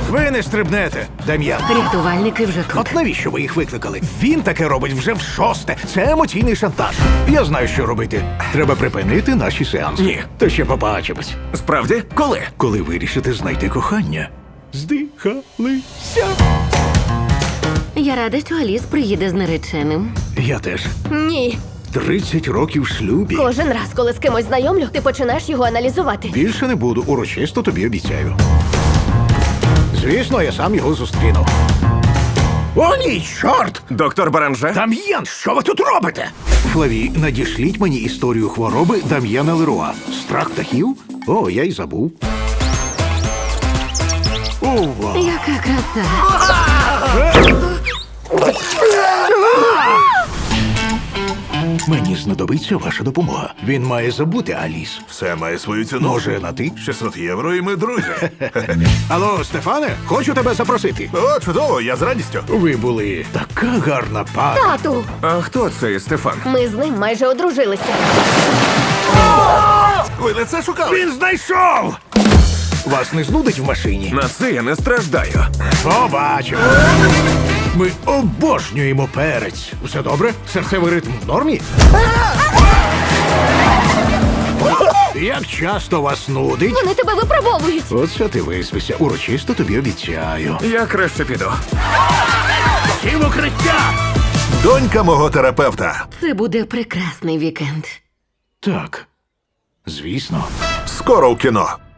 Ви не стрибнете, Дем'ян. Рятувальники вже тут. От навіщо ви їх викликали? Він таке робить вже в шосте. Це емоційний шантаж. Я знаю, що робити. Треба припинити наші сеанси. Ні. То ще побачимось. Справді? Коли? Коли вирішите знайти кохання. Здихалися. Я рада, що Аліс приїде з нареченим. Я теж. Ні. 30 років в шлюбі. Кожен раз, коли з кимось знайомлю, ти починаєш його аналізувати. Більше не буду, урочисто тобі обіцяю. Звісно, я сам його зустріну. О, ні, чорт! Доктор Баранже? Дам'ян, що ви тут робите? Флаві, надішліть мені історію хвороби Дам'яна Леруа. Страх птахів? О, я й забув. Ова! Яка краса. Мені знадобиться ваша допомога. Він має забути Аліс. Все має свою ціну. Може, на ти? 600 євро і ми друзі. Алло, Стефане, хочу тебе запросити. О, чудово, я з радістю. Ви були така гарна пара. Тату! А хто цей Стефан? Ми з ним майже одружилися. Ви не це шукали? Він знайшов! Вас не знудить в машині? На це я не страждаю. Побачимо. Ми обожнюємо перець. Все добре? Серцевий ритм в нормі? Як часто вас нудить? Вони тебе випробовують. Оце ти виспися. Урочисто тобі обіцяю. Я краще піду. Всі в укриття! Донька мого терапевта. Це буде прекрасний вікенд. Так, звісно. Скоро в кіно.